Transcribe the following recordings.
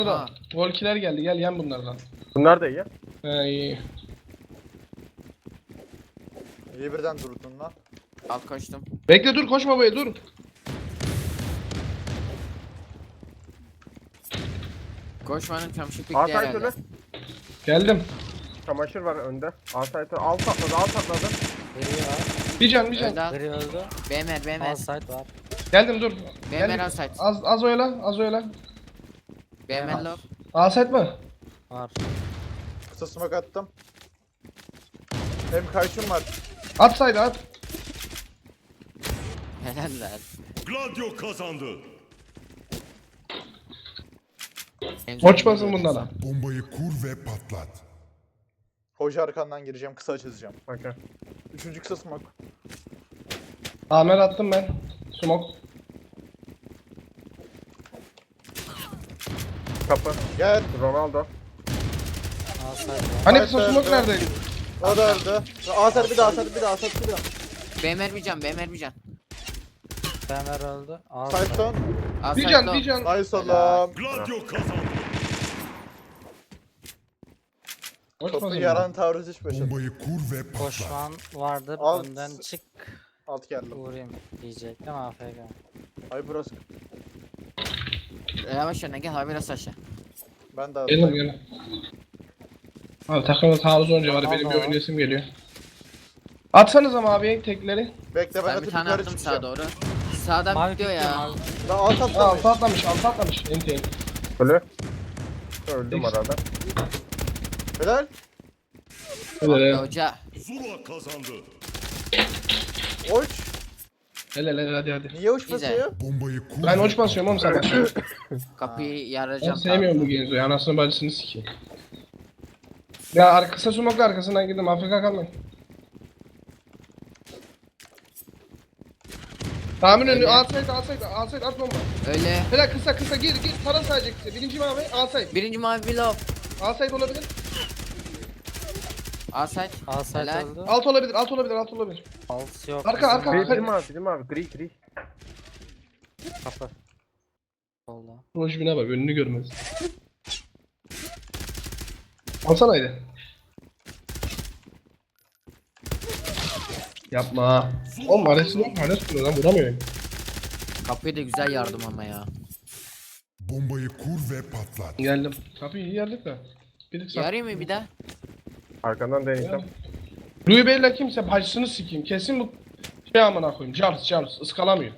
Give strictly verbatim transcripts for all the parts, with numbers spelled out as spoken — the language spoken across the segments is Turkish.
Ha. Volkiler geldi, gel yen bunlardan. Bunlar da iyi. He iyi. İyi birden durdun lan. Alt koştum. Bekle dur, koşma buraya dur. Koşmanın çamşır pikti Asayt herhalde. öyle. Geldim. Çamaşır var önde. Asayt'ı alt atladı, alt atladı. Biri var. Bir can bir can. Öldü al. Biri öldü. B M R B M R. Outside var. Geldim dur. B M R Geldim. outside. Az az oyla, az oyla. B M R low. Aset mi? Var. Kısa smoke attım. Hem karşım var. At saydı at. Helal lan. Gladio kazandı. Koçmasın bunlara. Bombayı kur ve patlat. Hoca arkandan gireceğim, kısa açılacağım. Okey. Üçüncü kısa smoke. Amer attım ben. Smoke. Kapı. Gel. Ronaldo. Outside var. Hani Hayır, kısa smoke evet. nerede? O da öldü. Asar bir daha, asar bir daha, asar bir daha. B M R bir can, B M R bir can. Bemer öldü. Outside. Sayton. Bir Outside can low. bir can. Ay salam. Gladio kazandı. Topu Koçmasın. yaran taarruz iş başladı. Bombayı kur ve patlat. Koşman vardır. Alt- Önden çık. Alt geldim. Vurayım diyecektim. A F K. Ay burası. Yavaş yana gel, biraz aşağı. Ben de Gelin aldım. gelin. Abi takımda taarruz olunca var ya, benim bir Allah. oynayasım geliyor. Atsanız ama abi tekleri. Bekle ben Ben bir atıp tane yukarı attım sağa çıkacağım. doğru. Sağdan Mavi gidiyor pikliyor, ya. mavi. Ben alt Aa, atlamış. altı atlamış, altı atlamış. Enti enti. Ölü. Öldüm Neyse. arada. Helal. Hele hele. Hoca. Zula kazandı. Oç. Hele hele hadi hadi. Niye uç Güzel. basıyor? Bombayı kur Ben ve uç basıyorum oğlum sabah. Kapıyı Ben yaracağım. sevmiyorum bu Genzo'yu. Anasını bacısını sikeyim. Ya ar kısa smoke'la arkasından girdim. Afrika kalmayın. Tahmin önü. Öyle. Alsaydı alsaydı. Alsaydı at bomba. Öyle. Hele kısa kısa gir gir. Tara sadece kısa. Birinci mavi alsaydı. Birinci mavi bir low. Alsaydı olabilir. Outside. Outside Helal. öldü. Alt olabilir. Alt olabilir. Alt olabilir. Alt yok. Arka, Bizim arka. mavi. Gri, gri mavi, gri mavi, gri, gri. Kapı. Solda. Rojbine bak. Önünü görmez. Alsana haydi. Yapma. Oğlum arasını yok. Arasını lan vuramıyorum. Kapıyı da güzel yardım ama ya. bombayı kur ve patlat. Geldim. Kapıyı iyi yerdik de. Bir tık sağ. Yarayım mı bir daha? Arkandan deneyeceğim. Louis Bey'le kimse bacısını sikeyim. Kesin bu şey amına koyayım. Charles Charles ıskalamıyor.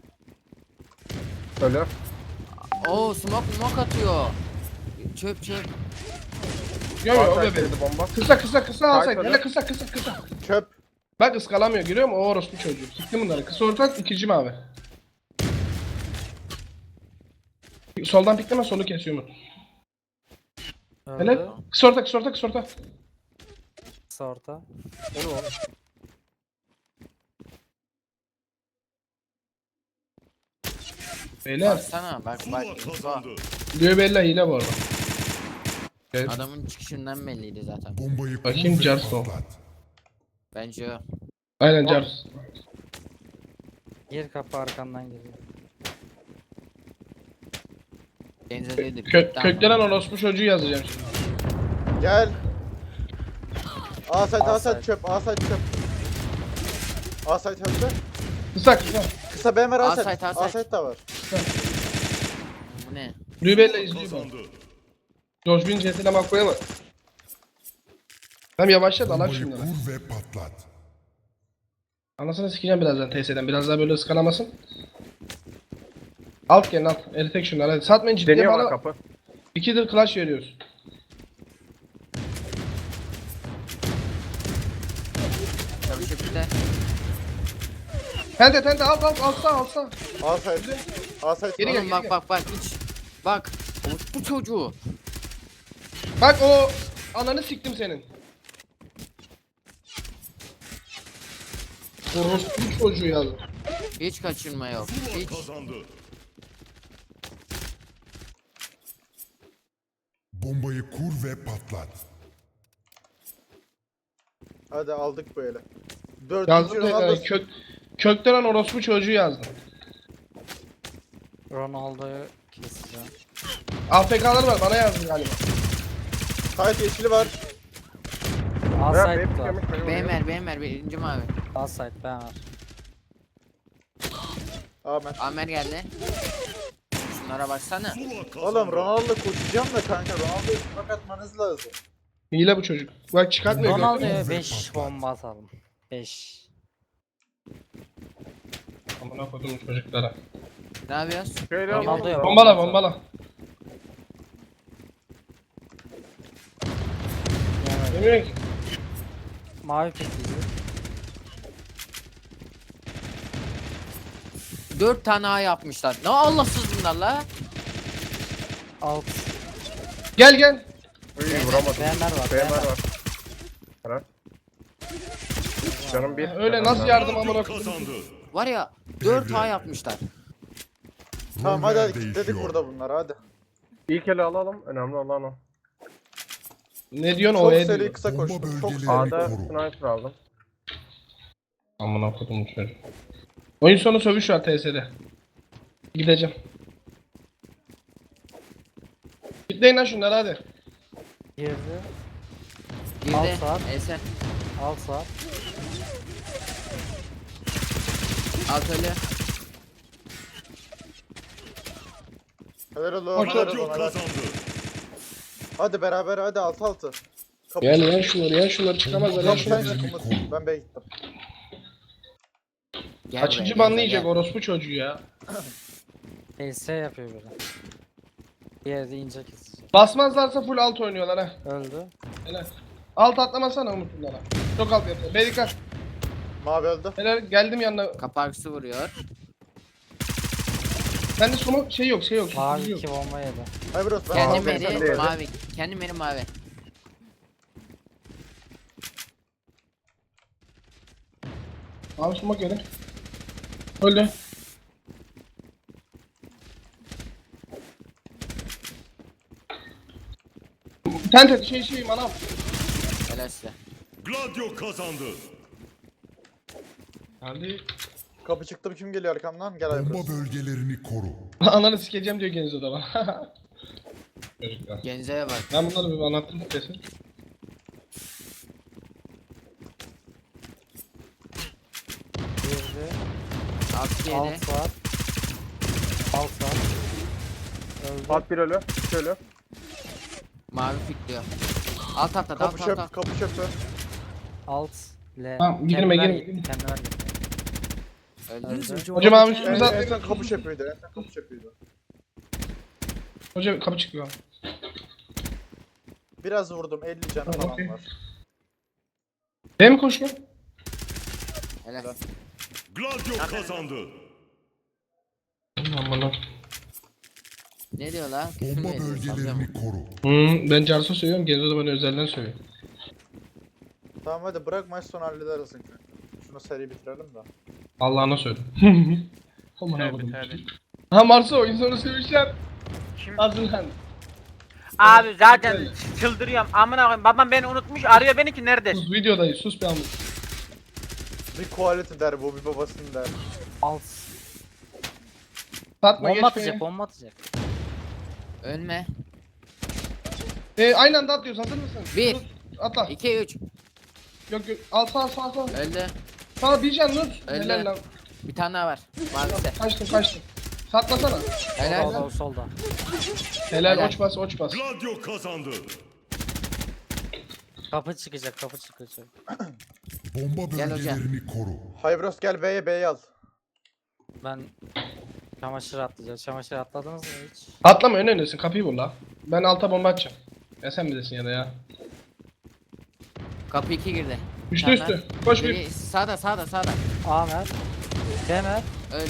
Ölü. Oo smoke smoke atıyor. Çöp çöp. Yok yok o Asayt bebe. yedi bomba. Kısa kısa kısa alsaydı. öyle. Hele kısa kısa kısa. Çöp. Bak ıskalamıyor görüyor musun? O orospu çocuğu. Siktim bunları. Kısa ortak ikinci mavi. Soldan pikleme solu kesiyor mu? Hele Öldü. kısa orta kısa orta kısa orta. Kısa orta. Onu onu. Beyler. Baksana bak Zula bak. kazandı. Louis Bey'le hile bu arada. Evet. Adamın çıkışından belliydi zaten. Bombayı kur Bakayım, ve Jarson. patlat. Bence o. Aynen Charles. Gir kapı arkandan giriyor. Denize değildir. Kö köklenen orospu çocuğu yazacağım şimdi. Gel. Asayt, Asayt. asayt çöp, asayt çöp. Asayt öldü. Kısa kısa. Kısa B M R asayt. Asayt, asayt. Asayt da var. Bu ne? Louis Bey'le izliyor bu. Kazandı. George Bin cetine makroya mı? Hem yavaşla dalak Bombayı şimdi lan. kur ve patlat. Anasını sikeceğim birazdan T S'den. Biraz daha böyle ıskalamasın. Alt gelin alt. Eritek şunları hadi. Satmayın ciddiye Deniyor bana bana. kapı. İkidir clash veriyoruz. Çamaşır pikti. Tente tente alt alt alsa alsa. Asayt. Asayt. Geri gel, Oğlum geri bak gel. bak bak hiç. Bak. Bu çocuğu. Bak o ananı siktim senin. Orospu çocuğu yazdı. Hiç kaçırma yok. Zula Hiç. kazandı. Bombayı kur ve patlat. Hadi aldık böyle. Dördüncü Yazdım da Ronaldo. yani kök, kökten orospu çocuğu yazdım. Ronaldo'yu keseceğim. A F K'lar var bana yazdı galiba. Sait yeşili var. A Ya site benim var. yemiş benim. B M R, B M R birinci mavi. A site ben var. Amer. Amer geldi. Şunlara baksana. Zula kazandı. Oğlum Ronaldo koşacağım da kanka Ronaldo'yu smoke atmanız lazım. Hile bu çocuk. Bak çıkartmıyor. gördün mü? Ronaldo'ya beş bomba atalım. beş. Amına koydum çocuklara. Ne yapıyoruz? Şöyle Ronaldo alalım. yap. Bombala bombala. Yani Demiyor ki. mavi pikliyor. Dört tane A yapmışlar. Ne Allahsız bunlar la. Alt. Gel gel. Uy vuramadım. B M R var. B M R B M R. var. Helal. Canım bir. Öyle nasıl yardım amına Gladio koydum. kazandı. Var ya dört A yapmışlar. Tamam hadi Roller hadi kilitledik değişiyor. burada bunları hadi. İlk ele alalım. Önemli olan o. Ne diyorsun Çok o seri ediyor. kısa Bomba koştum. Çok bölgeleri- seri. A'da koru. sniper aldım. Amına koydum çocuk. Oyun sonu sövüş var T S'de. Gideceğim. Gitleyin lan şunları hadi. Girdi. Girdi. Alt saat. Esen. Alt saat. Alt ölü. Helal oğlum. Hoş helal Gladio oğlum, helal. kazandı. Hadi beraber hadi altı altı. Kapı. Gel yan şunları yan şunları çıkamazlar yan Kapı sen şunları. çık Umut. Ben B'ye gittim. Gel Kaçıncı buraya, banlı gel, yiyecek gel. orospu çocuğu ya. L S yapıyor böyle. Bir yerde ince kesecek. Basmazlarsa full alt oynuyorlar ha. Öldü. Helal. Alt atlamasana Umut bunlara. Çok alt yapıyor. B dikkat. Mavi öldü. Helal geldim yanına. Kaparsı vuruyor. Bende smoke şey yok şey yok. Mavi Mavi yok. iki bomba yedi. Hayır bros ben Kendi aldım, sen meri de. mavi. Kendi meri mavi. Mavi smoke yedi. Öldü. Tente şey şey manav. Helal size. Gladio kazandı. Geldi. Kapı çıktım kim geliyor arkamdan? Gel Aybros. Bomba bölgelerini koru. Ananı sikeceğim diyor Genzo da bana. Çocuklar. Genze'ye bak. Ben bunları bir anlattım kesin. Girdi. Alt yedi. Alt saat. Alt saat. Öldü. Alt bir ölü. İki ölü. Mavi pikliyor. Alt atladı. Kapı Alt alt çöp, alt. kapı çöpü. Alt. L. Tamam, girme, Kendiler girme, gitti, girme. kendiler gitti. Öldü. Hocam abi En, üstümüze en atlayın. son kapı çöpüydü, en son kapı çöpüydü. Hocam kapı çıkıyor. Biraz vurdum, elli canı Tamam, falan okey. var. B mi koşuyor? Helal. Gladio kazandı. Aman Ne diyor la? Küfür mü Bomba ediyor? Sallıyor mu? bölgelerini koru. Hmm, ben Carso söylüyorum. Genzo da bana özelden söylüyor. Tamam hadi bırak maç sonu hallederiz kanka. Şunu seri bitirelim de. Allah'ına söyle. Aman koydum. Ha Marso oyun sonu sevişler. Hazırlan. Abi zaten Öyle. çıldırıyorum. Amına koyayım. Babam beni unutmuş. Arıyor beni ki nerede? Sus videodayız. Sus bir anlık. Bir quality der bu, bir babasının der. Alt. Satma Bomba geçme. atacak, bomba atacak. Ölme. Ee, aynı anda atlıyoruz. Hazır mısın? Bir. Dur, atla. iki üç. Yok yok. Al sağ sağ sağ. Öldü. Sağ bir can dur. Öyle. Helal lan. Bir tane daha var. Mavisi. Kaçtım kaçtım. Satmasana. Helal. Solda, solda. Helal, Helal. oç bas oç bas. Gladio kazandı. Kapı çıkacak, kapı çıkacak. Bomba Gel hocam. bölgelerini koru. Haybros gel B'ye, B'ye al. Ben çamaşır atlayacağım. Çamaşır atladınız mı hiç? Atlama ön öndesin. Kapıyı vur la. Ben alta bomba atacağım. Ya sen bilirsin ya da ya. Kapı iki girdi. Üstü Tamam. üstü. Koş bir. Biri sağda sağda sağda. Amer. Demer. Öldü.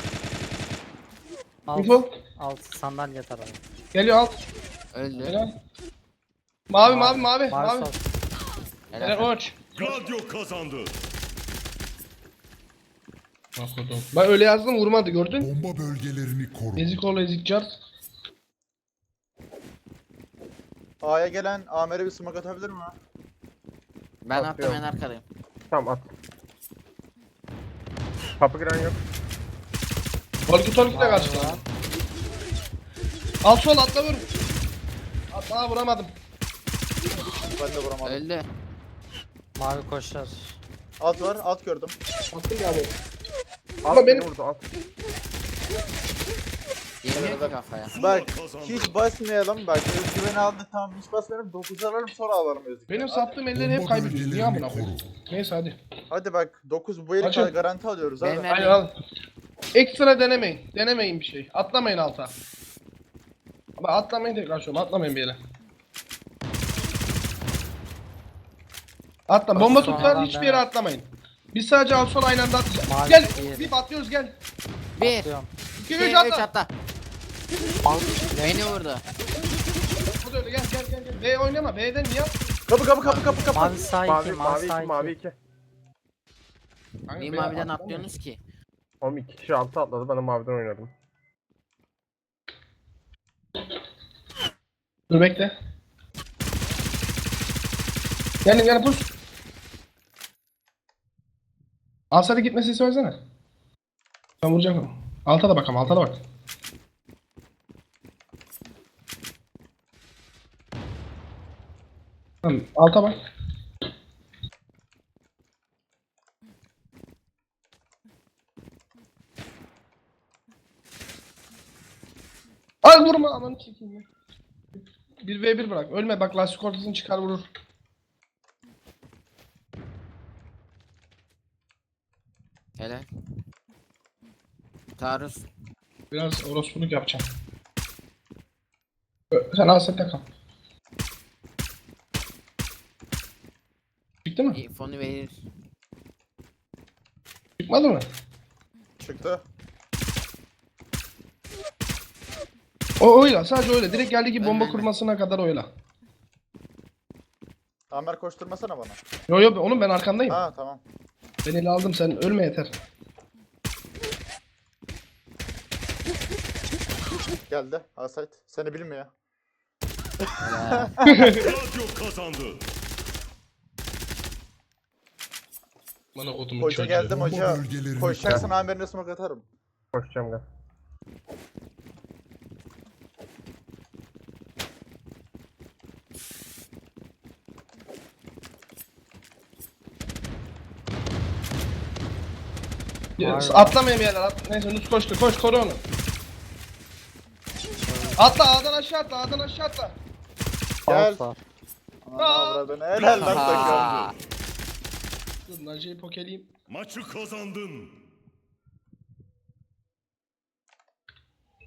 Alt. Info. Alt sandalye tarafı. Geliyor alt. Öldü. Helal. Mavi mavi mavi. Mavi Mavi. sol. Helal Helal. oç. Gladio kazandı. Bakıyordum. Ben öyle yazdım vurmadı gördün. Bomba bölgelerini koru. Ezik ol ezik cart. A'ya gelen Amer'e bir smoke atabilir mi? Ben attım Atıyorum. en arkadayım. Tamam at. Kapı giren yok. Volki Tolki de karşıda. var. Alt sol atla vur. Daha vuramadım. Ben de vuramadım. Öldü. Mavi koşar. Alt var, alt gördüm. Attım ya abi. Alt Ama beni benim- vurdu alt. Yemiyor ki kafaya. Bak kazandı. hiç basmayalım. Bak özgüveni aldı tamam hiç basmayalım. dokuz alalım sonra alalım özgüveni. Benim Hadi. sattığım elleri hep Bomba kaybediyoruz. Niye amına bölgelerini koyayım? koru. Neyse hadi. Hadi bak dokuz bu eli Açın. garanti alıyoruz hadi. Benim- Aynen al. Ekstra denemeyin. Denemeyin bir şey. Atlamayın alta. Ama atlamayın tekrar şu an. Atlamayın bir yere. Atla. Bomba Sonradan tutlar hiçbir yere dene. atlamayın. Biz sadece alt sol aynı anda atlayacağız. Mavi Gel. diğeri. Bir atlıyoruz gel. Bir. Atıyorum. İki iki, üç üç atla. atla. Beni vurdu. O da öyle gel gel gel. gel. B oynama. B'den niye at? Kapı kapı kapı kapı kapı. Mavi sağ iki, Mavi mavi mavi sağ iki mavi iki. iki. Kanka, Niye B maviden atlamayın. atlıyorsunuz ki? Oğlum iki kişi altı atladı ben de maviden oynadım. Dur bekle. Gelin gelin push. Alsada gitmesini söylesene. Ben vuracağım onu. Alta da bakalım, alta da bak. Tamam, alta bak. Ay vurma aman çekeyim ya. bir ve bir bırak. Ölme bak lastik ortasını çıkar vurur. Helal. Taarruz. Biraz orospuluk yapacağım. Ö, Sen alsette kal. Çıktı mı? İyi, fonu verir. Çıkmadı mı? Çıktı. O oyla sadece öyle. Direkt geldi ki bomba Ölme, ölme. kurmasına kadar oyla. Amer koşturmasana bana. Yo yo oğlum ben arkandayım. Ha tamam. Ben eli aldım sen ölme yeter. Geldi. Asayt. Seni bilmiyor. Helal. Radyo kazandı. Bana kodumun Hoca çocuğu. geldim Bomba hoca. bölgelerini Koşacaksın Amer'ine smoke atarım. Koşacağım gel. Ya, Atlamayayım yerler. At. Neyse Nus koştu. Koş koru onu. Atla A'dan aşağı atla. A'dan aşağı atla. Gel. Alt var. Aa, avradını. Helal lan takım. Aa, Dur Naciye'yi pokeleyeyim. Maçı kazandın.